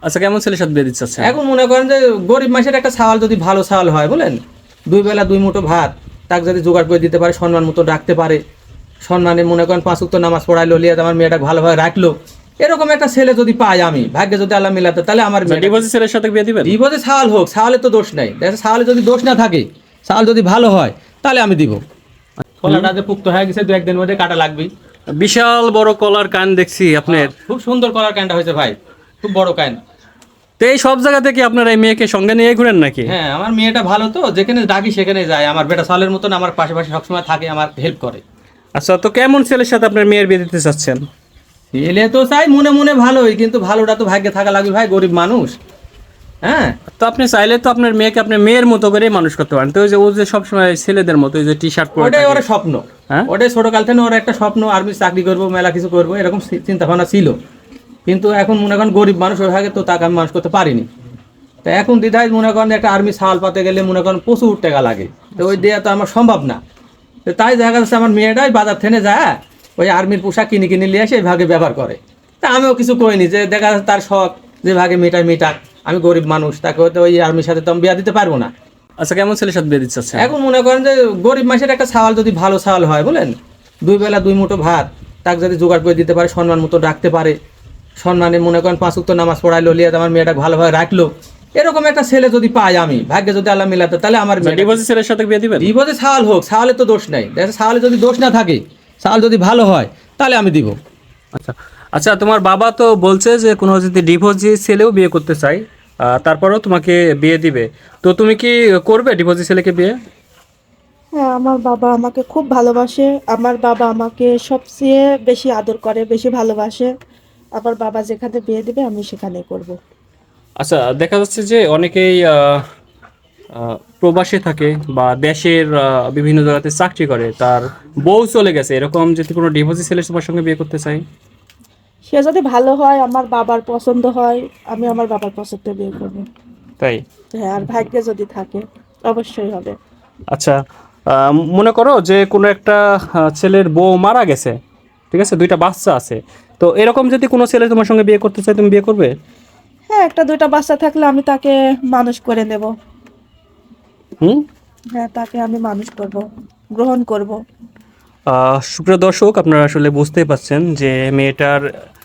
আচ্ছা, কেমন ছেলের সাথে বিয়ে দিচ্ছে? এখন মনে করেন যে গরিব মানুষের একটা ছাওয়াল যদি ভালো ছাওয়াল হয়, বলেন 2 বেলা 2 মুঠো ভাত তাকে যদি জোগাড় করে দিতে পারে, সম্মান মতো রাখতে পারে, সম্মানে মনে করেন 5 ওয়াক্ত নামাজ পড়াইলো, লিয়ে আমার মেয়েটা ভালোভাবে রাখলো, এরকম একটা ছেলে যদি পাই আমি, ভাগ্যে যদি আল্লাহ মিলাতে, তাহলে আমার ডিভোর্সি ছেলের সাথে বিয়ে দিবেন? ডিভোর্সে ছাওয়াল হোক, ছাওয়ালে তো দোষ নাই, দেখেন ছাওয়ালে যদি দোষ না থাকে, ছাওয়াল যদি ভালো হয়, তাহলে আমি দিব। কলাটা যে পুক্ত হয়ে গেছে 2-1 দিনের মধ্যে কাটা লাগবে। বিশাল বড় কলার কান দেখছি আপনার। খুব সুন্দর কলার কানটা হয়েছে ভাই, খুব বড় কান। তো এই সব জায়গা থেকে আপনারা এই মেয়েকে সঙ্গে নিয়ে ঘুরেন নাকি? হ্যাঁ, আমার মেয়েটা ভালো তো, যেখানে ডাকি সেখানে যায়, আমার বেটা সালের মতন আমার পাশে পাশে সবসময় থাকে, আমার হেল্প করে। আচ্ছা, তো কেমন ছেলের সাথে আপনার মেয়ের বিয়ে দিতে চাচ্ছেন? এলে তো চাই মনে মনে ভালোই, কিন্তু ভালোটা তো ভাগ্যে থাকা লাগবে ভাই, গরিব মানুষ। হ্যাঁ, তো আপনি চাইলে তো আপনার মেয়েকে আপনার মেয়ের মতো করে মানুষ করতে পারেন। তো ওই যে ও যে সবসময় ছেলেদের মতো ওই যে টি শার্ট পরে ওটাই থাকে। ওর স্বপ্ন। হ্যাঁ? ওটাই ছোটকাল থেকে ওর একটা স্বপ্ন, আর্মি চাকরি করবো, মেলা কিছু করবো, এরকম চিন্তা ভাবনা ছিল। কিন্তু এখন মনে করেন গরিব মানুষ ওই ভাগে, তো তাকে আমি মানুষ করতে পারিনি। তো এখন দ্বিধায় মনে করেন একটা আর্মি ছাল পাতে গেলে মনে করেন প্রচুর টাকা লাগে, তো ওই দেওয়া তো আমার সম্ভব না। তো তাই দেখা যাচ্ছে আমার মেয়েটাই বাজার থেকে যায়, ওই আর্মির পোশাক কিনে কিনে নিয়ে এসে এই ভাগে ব্যবহার করে। তা আমিও কিছু কইনি, যে দেখা যাচ্ছে তার শখ, যে ভাগে মেটাক, আমি গরিব মানুষ, তাকে হয়তো ওই আর্মির সাথে তো আমি বিয়া দিতে পারবো না। আচ্ছা, কেমন ছেলের সাথে বিয়ে দিচ্ছে? এখন মনে করেন যে গরিব মানুষের একটা ছাওয়াল যদি ভালো ছাওয়াল হয়, বলেন 2 বেলা 2 মুঠো ভাত তাকে যদি জোগাড় করে দিতে পারে, সম্মান মতো রাখতে পারে, সম্মানে মনে করেন 5 ওয়াক্ত নামাজ পড়াইলো, লিয়ে আমার মেয়েটা ভালোভাবে রাখলো, এরকম একটা ছেলে যদি পাই আমি, ভাগ্যে যদি আল্লাহ মিলাতে, তাহলে আমার ডিভোর্সি ছেলের সাথে বিয়ে দিবেন? ডিভোর্সে ছাওয়াল হোক, ছাওয়ালে তো দোষ নাই, দেখেন ছাওয়ালে যদি দোষ না থাকে, ছাওয়াল যদি ভালো হয়, তাহলে আমি দিব। আচ্ছা আচ্ছা, তোমার বাবা তো বলছে যে কোনো যদি ডিভোর্সি ছেলেও বিয়ে করতে চাই, তারপরেও তোমাকে বিয়ে দিবে। তো তুমি কি করবে ডিভোর্সি ছেলেকে বিয়ে? হ্যাঁ, আমার বাবা আমাকে খুব ভালোবাসে। আমার বাবা আমাকে সবচেয়ে বেশি আদর করে, বেশি ভালোবাসে। আমার বাবা যেখানে বিয়ে দিবে আমি সেখানেই করব। আচ্ছা, দেখা যাচ্ছে যে অনেকেই প্রবাসে থাকে বা দেশের বিভিন্ন জায়গাতে চাকরি করে, তার বউ চলে গেছে, এরকম যদি কোনো ডিভোর্সি ছেলের তোমার সঙ্গে বিয়ে করতে চাই? সে যদি ভালো হয়, আমার বাবার পছন্দ হয়, আমি আমার বাবার পছন্দে বিয়ে করব। তাই? হ্যাঁ, আর ভাগ্যে যদি থাকে অবশ্যই হবে। আচ্ছা, মনে করো যে কোনো একটা ছেলের বউ মারা গেছে, ঠিক আছে, 2টা বাচ্চা আছে, তো এরকম যদি কোনো ছেলে তোমার সঙ্গে বিয়ে করতে চায়, তুমি বিয়ে করবে? হ্যাঁ, 1-2টা বাচ্চা থাকলে আমি তাকে মানুষ করে নেব। হুম। হ্যাঁ, তাকে আমি মানুষ করব, গ্রহণ করব। সুপ্রিয় দর্শক, আপনারা আসলে বুঝতেই পাচ্ছেন যে মেয়েটার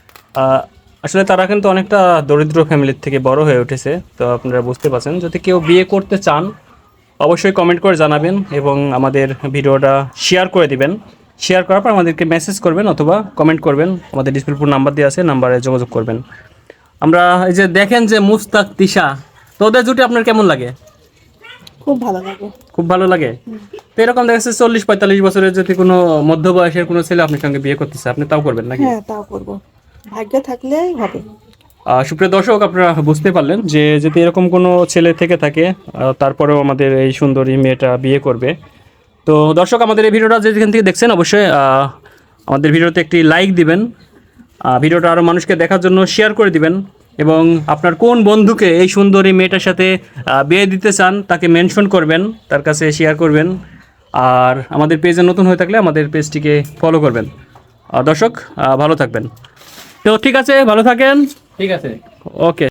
আসলে তারা কিন্তু অনেকটা দরিদ্র ফ্যামিলির থেকে বড় হয়ে উঠেছে। তো আপনারা বুঝতে পাচ্ছেন, যদি কেউ বিয়ে করতে চান অবশ্যই কমেন্ট করে জানাবেন এবং আমাদের ভিডিওটা শেয়ার করে দিবেন। শেয়ার করার পর আমাদেরকে মেসেজ করবেন অথবা কমেন্ট করবেন, আমাদের ডিসপ্লে উপর নাম্বার দেওয়া আছে, নাম্বারে যোগাযোগ করবেন। আমরা এই যে দেখেন যে মুস্তাক তিশা, তো ওদের জুটি আপনার কেমন লাগে? খুব ভালো লাগে। খুব ভালো লাগে। তো এরকম দেখা যাচ্ছে 40-45 বছরের যদি কোনো মধ্যবয়সের কোনো ছেলে আপনার সঙ্গে বিয়ে করতেছে, আপনি তাও করবেন নাকি? হ্যাঁ, তাও করব, ভাগ্যে থাকলেই হবে। সুপ্রিয় দর্শক, আপনারা বুঝতে পারলেন যে যদি এরকম কোনো ছেলে থেকে থাকে, তারপরেও আমাদের এই সুন্দরী মেয়েটা বিয়ে করবে। তো দর্শক, আমাদের এই ভিডিওটা যেখান থেকে দেখছেন অবশ্যই আমাদের ভিডিওতে একটি লাইক দিবেন, ভিডিওটা আরও মানুষকে দেখার জন্য শেয়ার করে দিবেন এবং আপনার কোন বন্ধুকে এই সুন্দরী মেয়েটার সাথে বিয়ে দিতে চান তাকে মেনশন করবেন, তার কাছে শেয়ার করবেন। আর আমাদের পেজে নতুন হয়ে থাকলে আমাদের পেজটিকে ফলো করবেন। দর্শক, ভালো থাকবেন। তো ঠিক আছে, ভালো থাকেন। ঠিক আছে। ওকে।